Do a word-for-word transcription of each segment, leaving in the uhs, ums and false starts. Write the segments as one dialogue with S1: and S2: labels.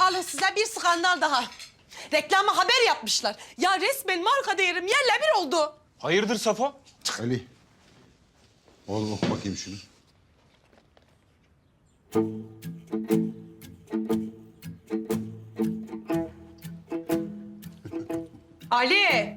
S1: Alın size bir skandal daha. Reklama haber yapmışlar. Ya resmen marka değerim yerle bir oldu.
S2: Hayırdır Safo?
S3: Ali. Oğlum oku bakayım şunu.
S1: Ali.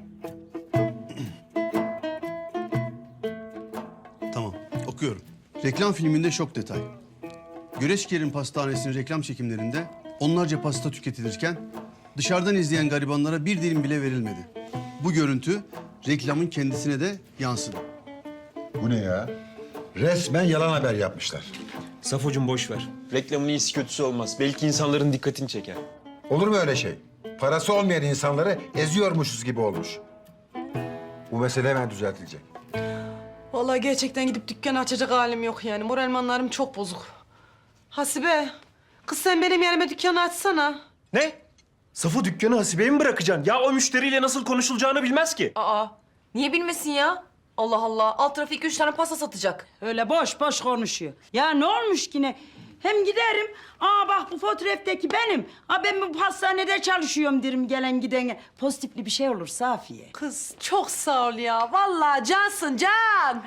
S4: Tamam, okuyorum. Reklam filminde şok detay. Göreçker'in pastanesinin reklam çekimlerinde onlarca pasta tüketilirken dışarıdan izleyen garibanlara bir dilim bile verilmedi. Bu görüntü reklamın kendisine de yansıdı.
S3: Bu ne ya? Resmen yalan haber yapmışlar.
S2: Safocuğum boş ver. Reklamın iyisi kötüsü olmaz. Belki insanların dikkatini çeker.
S3: Olur mu öyle şey? Parası olmayan insanları eziyormuşuz gibi olmuş. Bu mesele hemen düzeltilecek.
S1: Vallahi gerçekten gidip dükkan açacak halim yok yani. Moralmanlarım çok bozuk. Hasibe, kız sen benim yerime dükkanı açsana.
S2: Ne? Safo dükkanı Hasibe'ye mi bırakacaksın? Ya o müşteriyle nasıl konuşulacağını bilmez ki.
S5: Aa, niye bilmesin ya? Allah Allah, alt tarafı iki üç tane pasta satacak.
S6: Öyle boş boş konuşuyor. Ya ne olmuş ki ne? Hem giderim, aa bak bu fotoğraftaki benim. Aa ben bu pastanede çalışıyorum derim gelen gidene. Pozitifli bir şey olur Safiye.
S1: Kız çok sağ ol ya. Vallahi cansın can.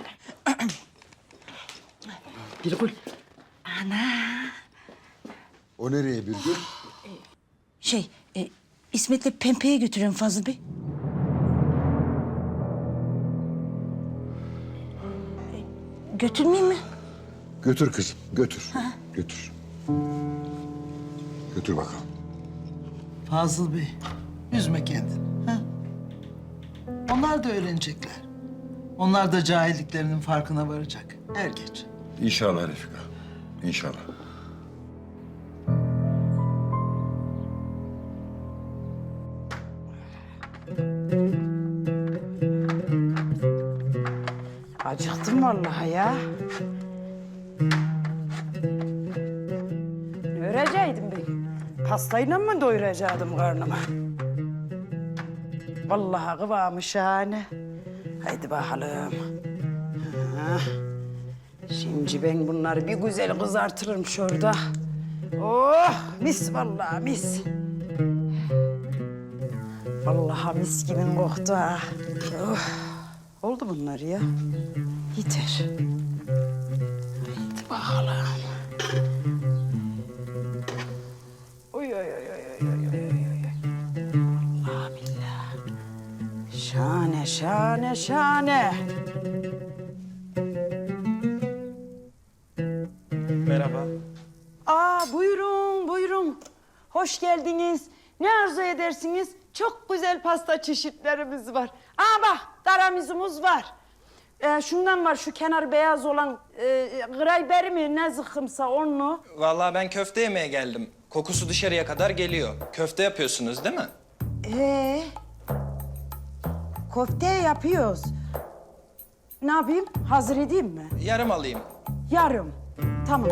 S6: Birgül.
S3: O nereye Birgül?
S7: Şey, e, İsmet'le Pempe'ye götürün Fazıl Bey. E, götürmeyeyim mi?
S3: Götür kızım, götür. Götür. Götür bakalım.
S8: Fazıl Bey, üzme kendini. Ha? Onlar da öğrenecekler. Onlar da cahilliklerinin farkına varacak. Er geç.
S3: İnşallah Refika, inşallah.
S6: Acıktım vallahi ya. Ne öreceydim ben? Pastayla mı doyuracaktım karnımı? Vallahi kıvamı şahane. Haydi bakalım. Ha. Şimdi ben bunları bir güzel kızartırım şurada. Oh mis vallahi mis. Vallahi mis gibi koktu ha. Oh. Oldu bunlar ya. Yeter. Haydi bakalım. Oy oy oy oy oy oy oy oy. Allah billah. Şahane şahane şahane.
S2: Merhaba.
S6: Aa buyurun buyurun. Hoş geldiniz. Ne arzu edersiniz? Çok güzel pasta çeşitlerimiz var. Aa bak taramizumuz var. Ee, şundan var şu kenar beyaz olan e, grayberi mi ne zıkkımsa onu.
S9: Vallahi ben köfte yemeye geldim. Kokusu dışarıya kadar geliyor. Köfte yapıyorsunuz değil mi?
S6: Ee, köfte yapıyoruz. Ne yapayım? Hazır edeyim mi?
S9: Yarım alayım.
S6: Yarım. Tamam.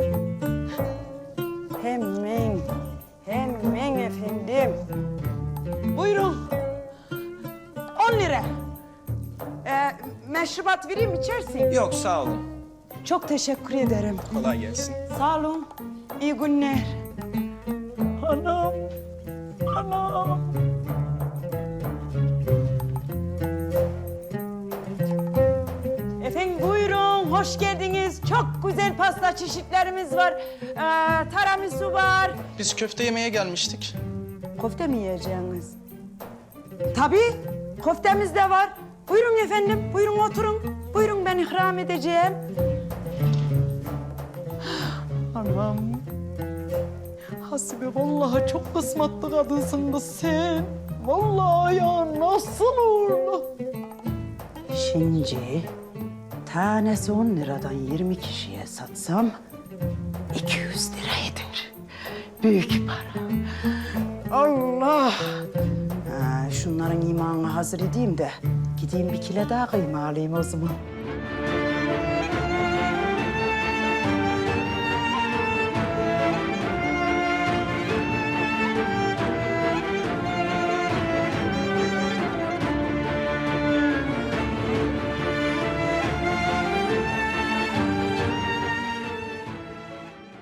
S6: Hemen. Hemen efendim. Buyurun. On lira. Ee, meşrubat vereyim içersin.
S9: Yok sağ olun.
S6: Çok teşekkür ederim.
S9: Kolay gelsin.
S6: Sağ olun. İyi günler. Anam. Anam. Efendim buyurun, hoş geldiniz. Çok güzel pasta çeşitlerimiz var. Ee, tiramisu var.
S9: Biz köfte yemeye gelmiştik.
S6: Köfte mi yiyeceğiniz? Tabii, köftemiz de var. Buyurun efendim, buyurun oturun. Buyurun ben ikram edeceğim. Anam. Hasibe vallahi çok kısmetli kadınsın da sen. Vallahi ya nasıl uğurlu. Şimdi tanesi on liradan yirmi kişiye satsam iki yüz lira eder. Büyük para. Allah! Ha, şunların imanını hazır edeyim de gideyim bir kilo daha kıyma alayım o zaman.